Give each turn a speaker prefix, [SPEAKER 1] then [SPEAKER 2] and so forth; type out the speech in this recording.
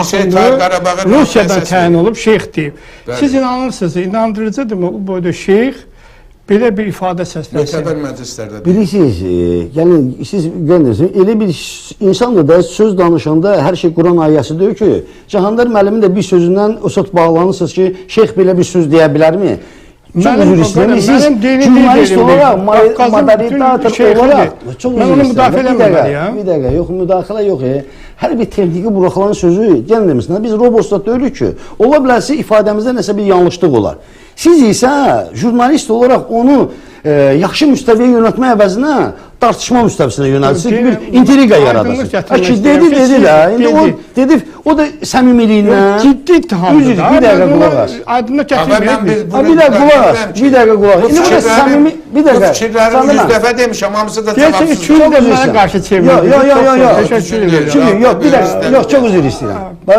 [SPEAKER 1] Rusiyadan təyin olub şeyx deyib. Siz inanırsınız, inandırıcıdırmı bu boyda şeyx belə bir ifadə səslənsin?
[SPEAKER 2] Mətəbər məclislərdə.
[SPEAKER 3] Bilirsiniz, yəni siz görürsünüz, elə bir insandır da söz danışanda hər şey Quran ayəsi deyir ki, Cahandar müəllimin də bir sözündən o söz bağlanırsınız ki, şeyx belə bir söz deyə bilərmi? Çox üzr istəyirəm. Siz jurnalist olaraq, moderator olaraq çox üzr istəyirəm. Bir dəqiqə, yox, müdaxilə yox. Hər bir texniki buraxılan sözü, gəlin demişsiniz, biz robotda deyirik ki, ola bilərsə ifadəmizdə nəsə bir yanlışlıq olar. Siz isə jurnalist olaraq onu yaxşı müstəviyə yönətmə əvəzinə tartışma müstəvisinə yönəltsiniz, bir intriqa yaradırsınız. Dedi, o da səmimiliyindən...
[SPEAKER 1] Ciddi ittihamdır da.
[SPEAKER 3] Bir dəqiqə qulaq as.
[SPEAKER 1] Aydınlıq gətirməyək.
[SPEAKER 3] Bir dəqiqə qulaq as. Bir dəqiqə qulaq as.
[SPEAKER 2] Bu fikirlərini 100 dəfə demişəm, hamısı da cavabsız.
[SPEAKER 1] Deyəsən, 200 də mənə qarşı çevrilir.
[SPEAKER 3] Yox, bir dəqiqə, yox, çox üzr istəyirəm.